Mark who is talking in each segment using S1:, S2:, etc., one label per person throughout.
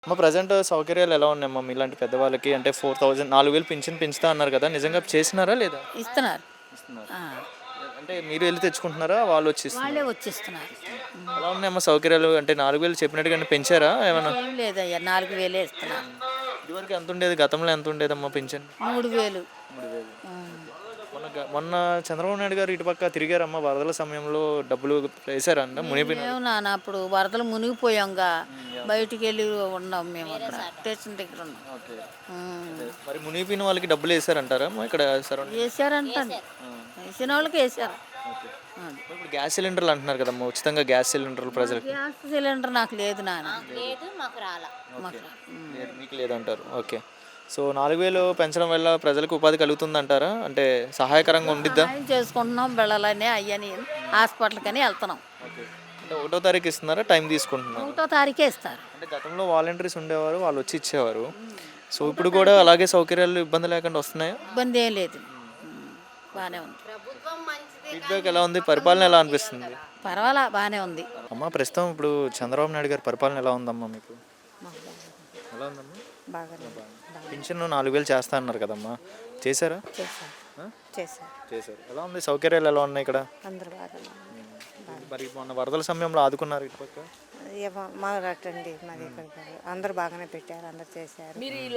S1: అమ్మ ప్రజెంట్ సౌకర్యాలు ఎలా ఉన్నాయమ్మా మీలాంటి పెద్దవాళ్ళకి? అంటే 4000 4000 పింఛన్ పెంచుతా అన్నారు కదా! నిజంగా చేసినారా లేదా?
S2: ఇస్తున్నారు.
S1: ఇస్తున్నారు.
S2: ఆ,
S1: అంటే మీరు ఎళ్లి తెచ్చుకుంటున్నారా? వాళ్ళు వచ్చి ఇస్తున్నారా?
S2: వాళ్ళే వచ్చిస్తున్నారు.
S1: ఎలా ఉన్నాయమ్మా సౌకర్యాలు? అంటే 4000 చెప్పినట్టుగానే పెంచారా ఏమన్నా?
S2: ఏం లేదయ్యా, 4,000 ఇస్తున్నారు.
S1: ఇదివరకు ఎంత ఉండేది? గతంలో ఎంత ఉండేదమ్మా పింఛన్?
S2: 3,000.
S1: 3000. మొన్న చంద్రబాబు నాయుడు గారు ఇటుపక్క తిరిగారమ్మా వరదల సమయంలో డబ్బులు వేశారా అంట మునిగిపోయిన
S2: మేము నాన్న అప్పుడు వరదలు మునిగిపోయాంగా బయటికి వెళ్ళి ఉన్నాం, మేము అక్కడ స్టేషన్ దగ్గర ఉన్నాం.
S1: ఓకే.
S2: ఉమ్.
S1: మరి మునిగిపోయిన వాళ్ళకి డబ్బులు వేశారంటారా అమ్మా ఇక్కడ సరౌండింగ్?
S2: వేసారంటండి, వేసిన వాళ్ళకి వేసారు.
S1: ఓకే.
S2: అది.
S1: ఇప్పుడు గ్యాస్ సిలిండర్లు అంటున్నారు కదమ్మా, ఉచితంగా గ్యాస్ సిలిండర్లు ప్రజలకి.
S2: గ్యాస్ సిలిండర్ నాకు లేదు నాన్న. మాకు
S1: లేదు, మీకు లేదంటారు. ఓకే. సో 4000 పెంచడం వల్ల ప్రజలకు ఉపాధి కలుగుతుందంటారా? అంటే సహాయకరంగా ఉండిద్దా?
S2: సాయం చేసుకుంటున్నాం, బిళ్ళలని అయ్యని హాస్పిటల్కి అని వెళ్తున్నాం.
S1: ఓకే. అంటే 1వ తారీఖు ఇస్తున్నారా? టైం తీసుకుంటున్నారు?
S2: 1వ తారీఖే ఇస్తారు.
S1: అంటే గతంలో వాలంటీర్స్ ఉండేవారు, వాళ్ళు వచ్చి ఇచ్చేవారు. సో ఇప్పుడు కూడా అలాగే సౌకర్యాలు ఇబ్బంది లేకుండా వస్తున్నాయా?
S2: ఇబ్బంది ఏం లేదు. బాగానే ఉంది.
S1: ఫీడ్బ్యాక్ ఎలా ఉంది? పరిపాలన ఎలా అనిపిస్తుంది?
S2: పర్వాలా, బాగానే ఉంది.
S1: అమ్మా ప్రస్తుతం ఇప్పుడు చంద్రబాబు నాయుడు గారి పరిపాలన ఎలా ఉందమ్మా మీకు? ఎలా ఉందమ్మా?
S2: బాగానే
S1: పింఛన్ 4000 చేస్తా అన్నారు కదమ్మా, చేశారా?
S2: చేశారు.
S1: ఆ?
S2: చేశారు.
S1: చేశారు. ఎలా ఉంది? సౌకర్యాలు ఎలా ఉన్నాయి ఇక్కడ?
S2: అందరు బాగానే
S1: మరి మొన్న వరదల సమయంలో ఆదుకున్నారు ఇటుపక్క?
S2: మా రట్టండి మాది ఇక్కడ అందరు బాగానే పెట్టారు, అందరు చేశారు.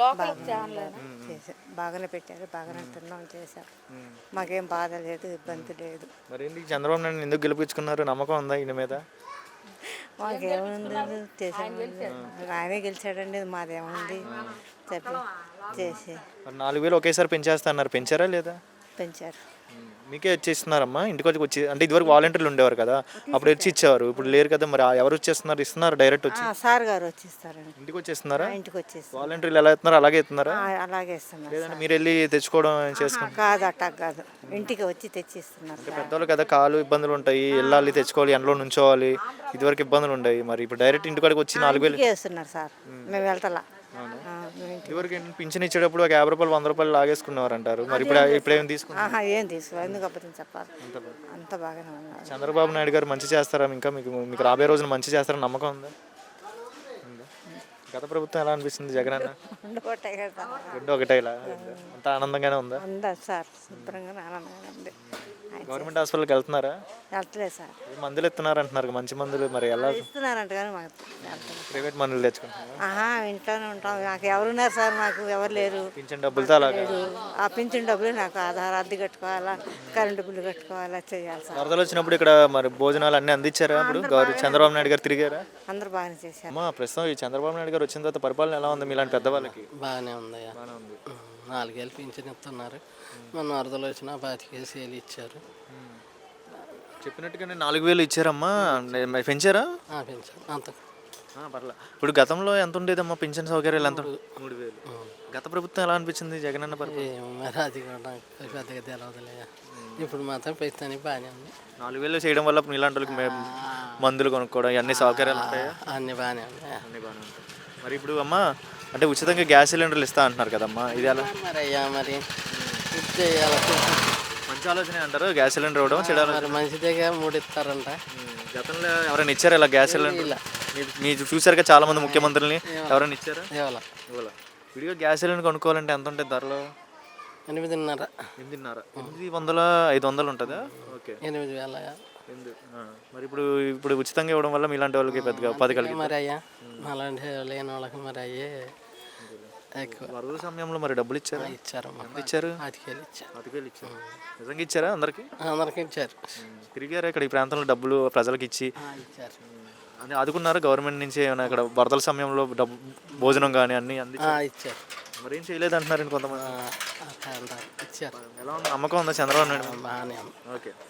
S2: బాగానే పెట్టారు, బాగానే తిన్నాం, చేశారు. మాకేం బాధ లేదు, ఇబ్బంది లేదు.
S1: మరి ఏంటి చంద్రబాబు నాయుడు ఎందుకు గెలిపించుకున్నారు? నమ్మకం ఉందా ఈయన మీద?
S2: మాకేముంది, చేసాము. ఆయనే గెలిచాడండి, మాదేముంది చెప్పి చేసి
S1: మరి 4000 ఒకేసారి పెంచేస్తా అన్నారు, పెంచారా లేదా?
S2: పెంచారు.
S1: మీకే వచ్చేస్తున్నారమ్మా ఇంటికి వచ్చి? అంటే ఇదివరకు వాలంటీర్లు ఉండేవారు కదా, అప్పుడు వచ్చి ఇచ్చేవారు, ఇప్పుడు లేరు కదా, మరి ఎవరు వచ్చేస్తున్నారు? ఇస్తున్నారు డైరెక్ట్ వచ్చి
S2: సార్ గారు వచ్చేస్తారండి,
S1: ఇంటికి వచ్చేస్తున్నారా?
S2: ఇంటికి వచ్చేస్తారు.
S1: వాలంటీర్లు ఎలా ఇస్తున్నారు అలాగే ఇస్తున్నారా?
S2: అలాగే ఇస్తున్నారు.
S1: లేదంటే మీరు వెళ్ళి తెచ్చుకోవడం చేసుకుంటారు?
S2: కాదు, అట్టా కాదు, ఇంటికి వచ్చి తెచ్చిస్తున్నారు.
S1: పెద్దవాళ్ళు కదా, కాలు ఇబ్బందులు ఉంటాయి, వెళ్ళాలి తెచ్చుకోవాలి, ఎండలో నుంచోవాలి, ఇదివరకు ఇబ్బందులు ఉండేవి. మరి ఇప్పుడు డైరెక్ట్ ఇంటికాడికి వచ్చి 4000
S2: వేస్తున్నారు సార్, మేము వెళ్తలా.
S1: ఇదివరకు పింఛన్ ఇచ్చేటప్పుడు ఒక 50 రూపాయలు 100 రూపాయలు లాగేసుకునేవారు అంటారు, మరి ఇప్పుడు ఏం తీసుకుంటారు?
S2: ఏం తీసుకో, ఎందుకు అబద్ధం చెప్పాలి, అంత బాగానే ఉన్నారు.
S1: చంద్రబాబు నాయుడు గారు మంచి చేస్తారా? ఇంకా మీకు మీకు రాబోయే రోజున మంచి చేస్తారని నమ్మకం ఉందా? గత ప్రభుత్వం ఎలా అనిపిస్తుంది జగన్ అన్న? రెండు ఒకటేలా అంత ఆనందంగానే ఉందా?
S2: ఉందా సార్, శుభ్రంగా ఆనందంగా ఉంది.
S1: గవర్నమెంట్ హాస్పిటల్కి వెళ్తున్నారా?
S2: వెళ్తలేదు సార్.
S1: మందులు ఇస్తున్నారు అంటున్నారు, మంచి మందులు, మరి ఎలా?
S2: ఇస్తున్నారంట కానీ మాకు
S1: ప్రైవేట్ మందులు తెచ్చుకుంటున్నారా?
S2: ఇంట్లోనే ఉంటాం, నాకు ఎవరున్నారు సార్, నాకు ఎవరు లేరు.
S1: పింఛన్ డబ్బులతో అలాగే
S2: ఆ పింఛన్ డబ్బులు నాకు ఆధార్ అద్దె కట్టుకోవాలా, కరెంటు బిల్లు కట్టుకోవాలా, చేయాలి సార్.
S1: వరదలు వచ్చినప్పుడు ఇక్కడ మరి భోజనాలు అన్ని అందించారా? ఇప్పుడు చంద్రబాబు నాయుడు గారు తిరిగారా?
S2: అందరు బాగానే చేశారు.
S1: అమ్మా ప్రస్తుతం ఈ చంద్రబాబు నాయుడు గారు వచ్చిన తర్వాత పరిపాలన ఎలా ఉంది మీలాంటి పెద్దవాళ్ళకి?
S3: బాగానే ఉందయ్యా, 4,000 పింఛన్ ఇస్తున్నారు. మన వరదలు వచ్చినా 25,000 ఇచ్చారు.
S1: చెప్పినట్టుగానే 4000 ఇచ్చారమ్మా, మరి పెంచారా?
S3: పెంచారు అంత
S1: పర్లేదు. ఇప్పుడు గతంలో ఎంత ఉండేదమ్మా పింఛన్ సౌకర్యాలు? ఎంత? 3000. గత ప్రభుత్వం ఎలా అనిపించింది జగన్ అన్న పరిపాలన?
S3: మరి అది కూడా నాకు పెద్దగా తెలవదులే. ఇప్పుడు మాత్రం ప్రస్తుతానికి బాగానే ఉంది.
S1: 4000 చేయడం వల్ల మీలాంటి వాళ్ళకి మందులు కొనుక్కోవడం అన్ని సౌకర్యాలు ఉంటాయా?
S3: అన్నీ బాగానే ఉన్నాయి.
S1: అన్నీ బాగానే ఉంటాయి. మరి ఇప్పుడు అమ్మా అంటే ఉచితంగా గ్యాస్ సిలిండర్లు ఇస్తా అంటున్నారు కదమ్మా, ఇది ఎలా?
S3: మరి అయ్యా మరి చేయాలి.
S1: మంచి ఆలోచన అంటారు గ్యాస్ సిలిండర్ ఇవ్వడం, చెడాలి.
S3: మరి మంచిదేగా 3 ఇస్తారంట.
S1: గతంలో ఎవరైనా ఇచ్చారా ఇలా గ్యాస్ సిలిండర్? మీ ఫ్యూచర్గా చాలా మంది ముఖ్యమంత్రులని ఎవరైనా ఇచ్చారా? ఇవ్వాల. విడిగా గ్యాస్ సిలిండర్ కొనుక్కోవాలంటే ఎంత ఉంటుంది ధరలో?
S3: 8,500.
S1: 800 500 ఉంటుందా? ఓకే.
S3: 8,000.
S1: మరి ఇప్పుడు ఉచితంగా ఇవ్వడం వల్ల మీలాంటి వాళ్ళకి పెద్దగా ఉపాధి కలిగి
S3: మరి అయ్యా అలాంటి లేని వాళ్ళకి మరి అయ్యే ఎక్కువ.
S1: వరద సమయంలో మరి డబ్బులు ఇచ్చారా?
S3: ఇచ్చారు.
S1: ఇచ్చారు?
S3: 5,000 ఇచ్చారు.
S1: 5,000 ఇచ్చారు. నిజంగా ఇచ్చారా అందరికి?
S3: అందరికి ఇచ్చారు.
S1: తిరిగారా ఇక్కడ ఈ ప్రాంతంలో డబ్బులు ప్రజలకు ఇచ్చి?
S3: ఇచ్చారు.
S1: అని ఆదుకున్నారా గవర్నమెంట్ నుంచి ఏమైనా? ఇక్కడ వరదల సమయంలో డబ్బు భోజనం కానీ అన్ని
S3: ఇచ్చారు.
S1: మరి ఏం చేయలేదు అంటున్నారు కొంతమంది.
S3: ఇచ్చారు.
S1: ఎలా ఉంది? నమ్మకం ఉందా చంద్రబాబు నాయుడు?
S3: బాగానే ఉంది.
S1: ఓకే.